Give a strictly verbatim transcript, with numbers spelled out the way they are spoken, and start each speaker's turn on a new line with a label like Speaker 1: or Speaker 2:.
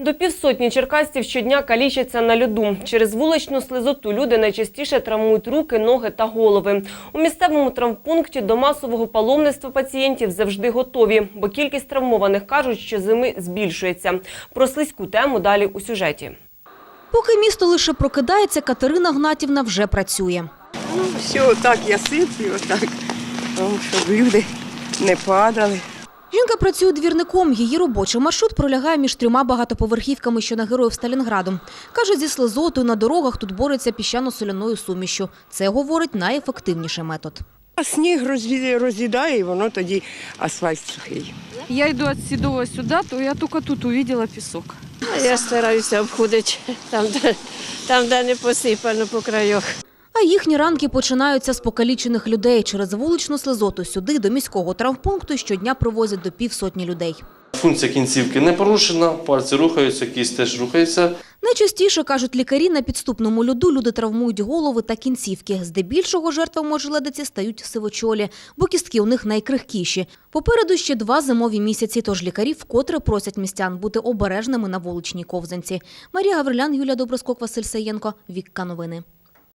Speaker 1: До півсотні черкасців щодня калічаться на льоду. Через вуличну слизоту люди найчастіше травмують руки, ноги та голови. У місцевому травмпункті до масового паломництва пацієнтів завжди готові, бо кількість травмованих, кажуть, що зими збільшується. Про слизьку тему далі у сюжеті.
Speaker 2: Поки місто лише прокидається, Катерина Гнатівна вже працює.
Speaker 3: Ну, все, отак я сиплю, отак, щоб люди не падали.
Speaker 2: Жінка працює двірником. Її робочий маршрут пролягає між трьома багатоповерхівками, що на Героїв Сталінграду. Каже, зі слизотою на дорогах тут борються піщано-соляною сумішшю. Це, говорить, найефективніший метод.
Speaker 3: А сніг роз'їдає, і воно тоді асфальт сухий.
Speaker 4: Я йду від Сідова сюди, то я тільки тут побачила пісок.
Speaker 5: Я стараюся обходити там, де, там, де не посипано по краях.
Speaker 2: А їхні ранки починаються з покалічених людей. Через вуличну слизоту сюди, до міського травмпункту, щодня привозять до півсотні людей.
Speaker 6: Функція кінцівки не порушена, пальці рухаються, кість теж рухається.
Speaker 2: Найчастіше, кажуть лікарі, на підступному льоду люди травмують голови та кінцівки. Здебільшого жертвами ожеледиці стають сивочолі, бо кістки у них найкрихкіші. Попереду ще два зимові місяці, тож лікарі вкотре просять містян бути обережними на вуличній ковзанці. Марія Гаврилян, Юлія Доброскок, Василь Саєнко. Вікка новини.